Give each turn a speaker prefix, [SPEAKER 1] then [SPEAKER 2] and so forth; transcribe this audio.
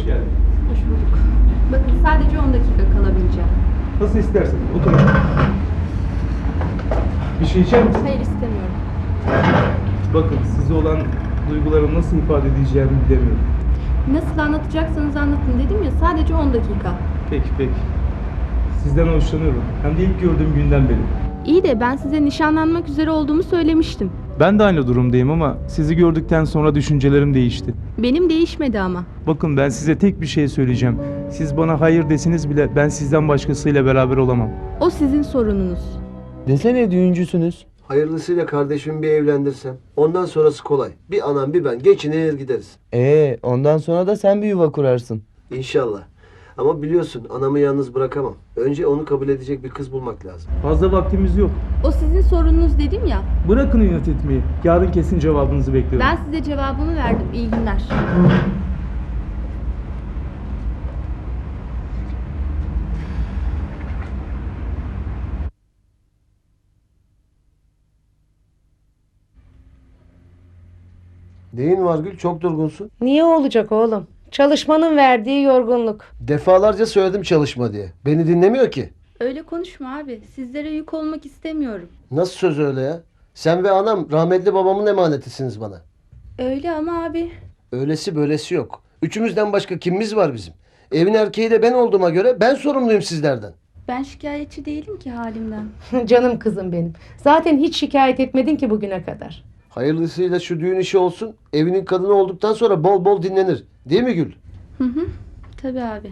[SPEAKER 1] geldin.
[SPEAKER 2] Hoş bulduk. Bakın sadece 10 dakika kalabileceğim.
[SPEAKER 1] Nasıl istersen. Otur. Bir şey içer misin?
[SPEAKER 2] Hayır, istemiyorum.
[SPEAKER 1] Bakın size olan duygularımı nasıl ifade edeceğimi bilemiyorum.
[SPEAKER 2] Nasıl anlatacaksanız anlatın dedim ya, sadece 10 dakika.
[SPEAKER 1] Peki peki. Sizden hoşlanıyorum. Hem de ilk gördüğüm günden beri.
[SPEAKER 2] İyi de ben size nişanlanmak üzere olduğumu söylemiştim.
[SPEAKER 1] Ben de aynı durumdayım ama sizi gördükten sonra düşüncelerim değişti.
[SPEAKER 2] Benim değişmedi ama.
[SPEAKER 1] Bakın ben size tek bir şey söyleyeceğim. Siz bana hayır deseniz bile ben sizden başkasıyla beraber olamam.
[SPEAKER 2] O sizin sorununuz.
[SPEAKER 3] Desene düğüncüsünüz.
[SPEAKER 4] Hayırlısıyla kardeşimi bir evlendirsem. Ondan sonrası kolay. Bir anam bir ben geçinir gideriz.
[SPEAKER 3] Ondan sonra da sen bir yuva kurarsın.
[SPEAKER 4] İnşallah. Ama biliyorsun anamı yalnız bırakamam. Önce onu kabul edecek bir kız bulmak lazım.
[SPEAKER 1] Fazla vaktimiz yok.
[SPEAKER 2] O sizin sorununuz dedim ya.
[SPEAKER 1] Bırakın inat etmeyi. Yarın kesin cevabınızı bekliyorum.
[SPEAKER 2] Ben size cevabımı verdim. İyi günler.
[SPEAKER 4] Neyin var Gül? Çok durgunsun.
[SPEAKER 5] Niye olacak oğlum? Çalışmanın verdiği yorgunluk.
[SPEAKER 4] Defalarca söyledim çalışma diye. Beni dinlemiyor ki.
[SPEAKER 2] Öyle konuşma abi. Sizlere yük olmak istemiyorum.
[SPEAKER 4] Nasıl söz öyle ya? Sen ve anam rahmetli babamın emanetisiniz bana.
[SPEAKER 2] Öyle ama abi.
[SPEAKER 4] Öylesi böylesi yok. Üçümüzden başka kimimiz var bizim? Evin erkeği de ben olduğuma göre ben sorumluyum sizlerden.
[SPEAKER 2] Ben şikayetçi değilim ki halimden.
[SPEAKER 5] Canım kızım benim. Zaten hiç şikayet etmedin ki bugüne kadar.
[SPEAKER 4] Hayırlısıyla şu düğün işi olsun. Evinin kadını olduktan sonra bol bol dinlenir. Değil mi Gül?
[SPEAKER 2] Hı hı. Tabii abi.